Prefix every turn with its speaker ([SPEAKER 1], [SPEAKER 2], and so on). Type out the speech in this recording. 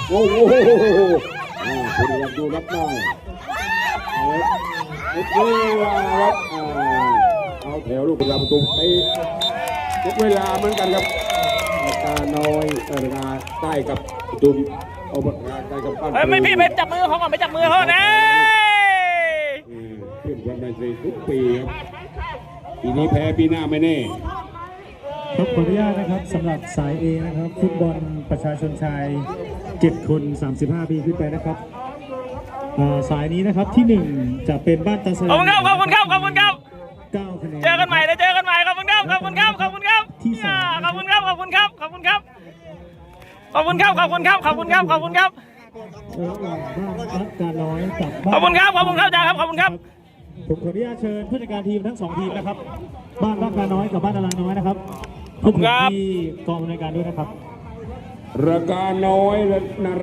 [SPEAKER 1] โอ้โหคุณรับดูรับได้เวลาครับเอาแถวลูกประตูไปเวลาเหมือนกันครับตาน้อยใต้กับดุมเอาปากกาใต้กับปั้น
[SPEAKER 2] ไม่พี่ไปจับมือเขาก่อนไปจับมือเขานะ
[SPEAKER 1] ขึ้นวันในทุกปีครับปีนี้แพ้ปีหน้าไม่แน่
[SPEAKER 3] ครับขออนุญาตนะครับสำหรับสาย A นะครับฟุตบอลประชาชนชาย7 คน35 ปีขึ้นไปนะครับสายนี้นะครับที่1จะเป็นบ้านตาเซน
[SPEAKER 2] ขอบคุณครับขอบคุณครับขอบคุณครับ
[SPEAKER 3] 9 คะแนน
[SPEAKER 2] เจอกันใหม่เลยเจอกันใหม่ขอบคุณครับขอบคุณครับขอบคุณครับ
[SPEAKER 3] ที่2
[SPEAKER 2] ขอบคุณครับขอบคุณครับขอบคุณครับขอบคุณครับขอบคุณครับขอบคุณครับขอบคุณครับ
[SPEAKER 3] ระหว่างบ้านรักการน้อยกับ
[SPEAKER 2] ขอบคุณครับขอบคุณครับอาจารย์ครับขอบคุณครับ
[SPEAKER 3] ผมขออนุญาตเชิญผู้จัดการทีมทั้ง2 ทีมนะครับบ้านรักการน้อยกับบ้านอลาน้อยนะครับขอบคุณที่กองบริการด้วยนะครับ
[SPEAKER 1] ราคาน้อยและ